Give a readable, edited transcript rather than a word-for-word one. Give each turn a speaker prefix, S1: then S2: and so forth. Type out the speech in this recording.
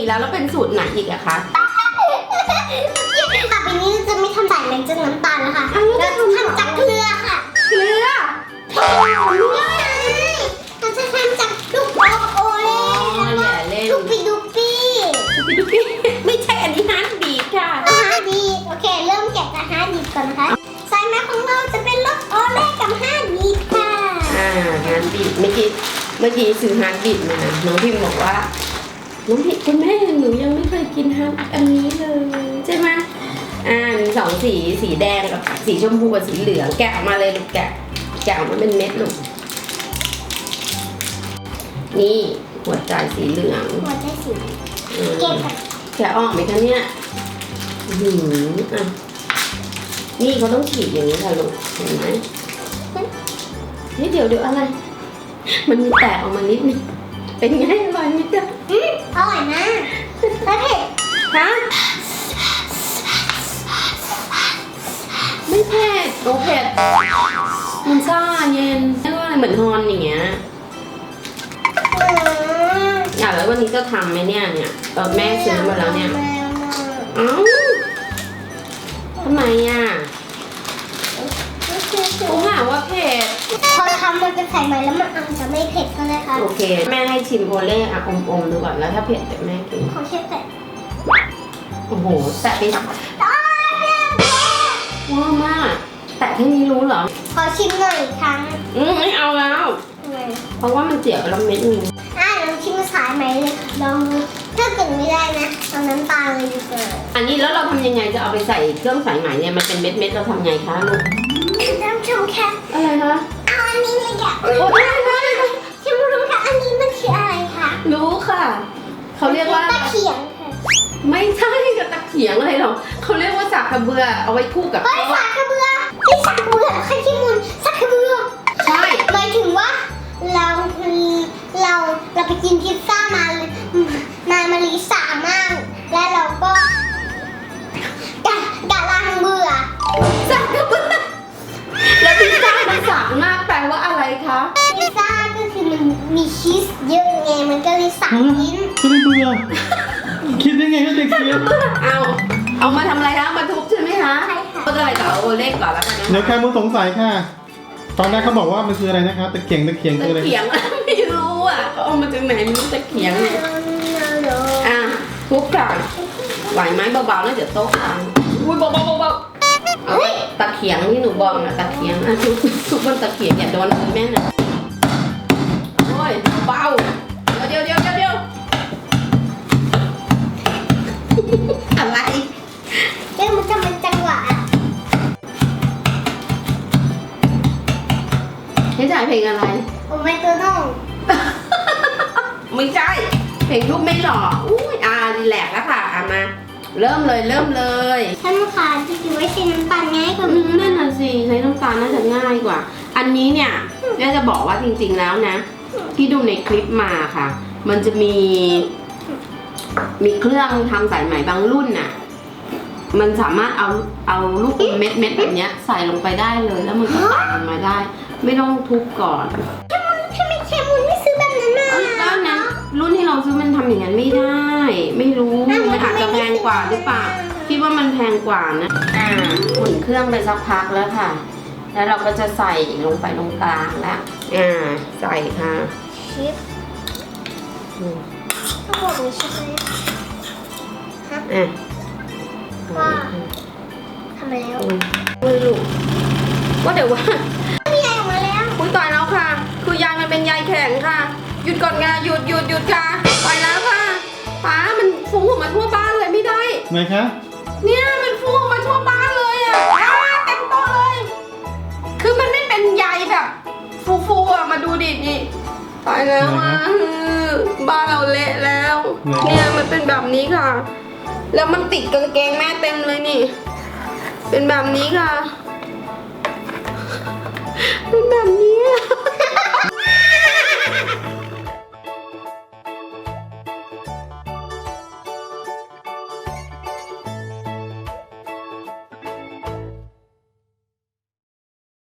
S1: อีกแล้วเป็นสูตรไหนอีกอะคะ
S2: ต่อไปนี้จะไม่ทำสายแมงจากน้ำตาลนะคะเราจะทำจากเกลือค่ะ
S1: เกลือ
S2: เราจะทำจากลูกโอเล่ลูกปิดูปี้
S1: ดูพี่ไม่ใช่อันนี้ฮาร์ดบีทค่ะ
S2: ฮาร์ดบีทโอเคเริ่มแกะจากฮาร์ดบีทก่อนนะคะสายแมงของเราจะเป็นรสโอเล่กับฮาร์ดบีทค่ะ
S1: ฮาร์ดบีทเมื่อกี้ซื้อฮาร์ดบีทมาน้องพิมบอกว่าน้องพิมคุณแม่หนูยังไม่เคยกินฮาร์ดอันนี้เลยใช่ไหมมีสองสีแดงกับสีชมพูกับสีเหลืองแกะออกมาเลยลูกแกะออกมาเป็นเม็ดลูกนี่หัวใจสีเหลือง
S2: หัวใจสี
S1: แกะออกไหมคะเนี่ยนี่เขาต้องฉีดอย่างนี้ค่ะลูกเห็นไหมนี่เดี๋ยวอะไรมันมีแตกออกมานิดนึงเป็นไงอร่อยไหมจ๊ะ
S2: อร่อยมากแล้วเผ็ด
S1: ฮะไม่เผ็ดโอเผ็ดมันซ่าเย็นเรียกว่าอะไรเหมือนฮอนอย่างเงี้ยแล้ววันนี้จะทำไหมเนี่ยตอนแม่ซื้อมาแล้วเนี่ยทำไมเขาหาว่าเผ็ด
S2: พอทำมันจะใส่ไหมแล้วมันอาจจะไม่เผ็ดก็ได้ค่ะ
S1: โอเคแม่ให้ชิมโอเล่อมดูก่อนแล้วถ้าเผ็ดเดี๋ยวแม่กิน
S2: ขอเช็ดแต่
S1: โอ้โหแตะไปว้ามากแตะแค่นี้รู้เหรอ
S2: ขอชิมหน่อยอีกครั้ง
S1: ไม่เอาแล้วเพราะว่ามันเสียไปแล้วเม็ดนึง
S2: ลองชิมสายไหมเลยลองดูถ้าเกิดไม่ได้นะเอาน้ำตาลเลยดีกว่า
S1: อันนี้แล้วเราทำยังไงจะเอาไปใส่เครื่องสายไหมเนี่ยมันเป็นเม็ดเราทำไงคะลูก
S2: ท่านผู้ชมคะ
S1: อะไรคะ
S2: เอาอันนี้เลยค่ะ
S1: โอ้ได้
S2: ท่านผู้ชมคะอันนี้มันคืออะไรคะ
S1: รู้ค่ะเขาเรียกว่า
S2: ตะเขียงค่ะ
S1: ไม่ใช่กับตะเขียงอะไรหรอกเขาเรียกว่าสากกระเบือเอาไว้คู่กับ
S2: สากกระเบือที่สากกระเบือใครที่มุนสากกระเบือ
S1: ใช่
S2: หมายถึงว่าเราไปกินพิซซ่ามาลิสามากและเราก็กะลังเบื่อ
S1: สากกระเบือแล้วพิซซ่ามันสากมากแปลว่าอะไรคะ
S2: พิซซ่าก็คือมันมีชีสเยอะไงมันก็เลยสากลิ้น
S3: ก็ไม่เบื่อคิดได้ไงก็เด็กเสีย
S1: เอามาทำอะไรคะมาทุบใช่ไหมคะ
S2: ใช่ค่ะ
S1: ก็จะอะไรต่อโอเล่ก่อนแล้วกันนะ
S3: เดี๋ยวใครมึงสงสัยค่ะตอนแรกเขาบอกว่ามันคืออะไรนะคะตะเขียงคืออะไร
S1: ตะเขียงไม่รู้เอามาจากไหนไม่รู้ตะเขียงเนี่ยทุบก่อนไหวไหมเบาๆแล้วเดี๋ยวโต๊ะพังอุ้ยเบาเอาตะเขียงที่หนูบอกตะเขียงทุบบนตะเขียงอย่าโดนมือแม่นะโอ้ยเบาเดี๋ยวอะไร
S2: มันจะเป็นจังหวะ
S1: ให้จ่ายเพลงอะไร
S2: โอ้ไม่ตัวน้อง
S1: ไม่ใช่เพลงรูปไม่หล่อรีแลกแล้วค่ะมาเริ่มเลย
S2: ท่านลูกค้าที่คิดว่าใช้น้ำตาลง่ายกว่า
S1: นั่นน่ะสิใช้น้ำตาลน่าจะง่ายกว่าอันนี้เนี่ยแม่จะบอกว่าจริงๆแล้วนะที่ดูในคลิปมาค่ะมันจะมีเครื่องทำสายไหมบางรุ่นน่ะมันสามารถเอาลูกเม็ดแบบนี้ใส่ลงไปได้เลยแล้วมันก็ตัดออกมาได้ไม่ต้องทุบก่อน
S2: ถ้าไม่แค่มุนไม่ซื้อแบบนั้นมา
S1: แล้วนะรุ่นที่เราซื้อมันทำอย่างนั้นไม่ได้ไม่รู้มันอาจจะแพงกว่าหรือเปล่าคิดว่ามันแพงกว่านะหมุนเครื่องไปสักพักแล้วค่ะแล้วเราก็จะใส่ลงไปตรงกลางแล้วใส่ค่ะ
S2: ชิปทั้งหมดนี้ใช่ไหมว่าทำแล้ว
S1: ลูกว่าเดี๋ยวว่า
S2: มีใยออกมาแล้ว
S1: คุยต่อยแล้วค่ะคือยายมันเป็นใยแข็งค่ะหยุดก่อนงาหยุดค่ะไปแล้วค่ะป้ามันฟุ้งออกมาทั่วบ้านเลยไม่ได้
S3: ไหนคะ
S1: เนี่ยมันฟุ้งออกมาทั่วบ้านเลยเต็มโต๊ะเลยคือมันไม่เป็นใยแบบฟูมาดูดินี่ไปแล้วบ้านเราเละแล้วเนี่ยมันเป็นแบบนี้ค่ะแล้วมันติดกางเกงแม่เต็มเลยนี่เป็นแบบนี้ค่ะ